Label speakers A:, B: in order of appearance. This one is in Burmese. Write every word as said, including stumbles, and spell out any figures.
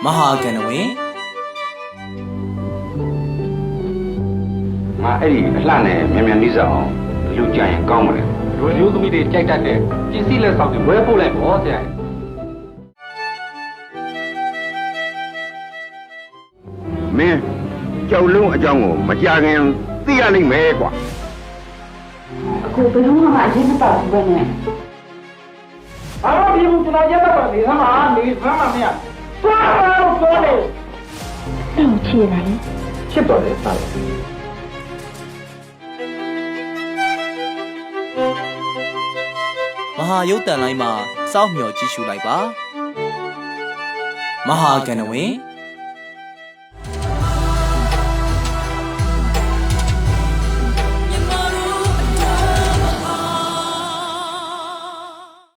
A: မဟာကဏဝင်
B: ငါအဲ့ဒီအလှနဲ့မြန်မြန်လေးစားအောင်လူကြရင်ကောင်းမလဲလူမျိုးသမီးတွေကြိုက်တတ်တဲ့ပစ္စည်းလက်ဆောင်တွေဝယ်ပို့လိုက်ပေါ့ဆရာမင်းကြောက်လုံးအကြောင်းကိုမကြခင်သိရလိမ့်မယ်ကွာ
C: အခုဘယ်တော့မှအရင်မပါဘူးပဲနဲ့
D: အားလုံးဒီဘူးကျွန်တော်ရက်တော့နေသမှာနေသမှာမရသွားတော့သွားတယ်
C: တော့ချေတယ်
D: ချစ်တော်တယ်သား
A: မဟာရုပ်တန်လိုင်းမှာစောင့်မျှော်ကြည့်ရှုလိုက်ပါမဟာကဏဝင်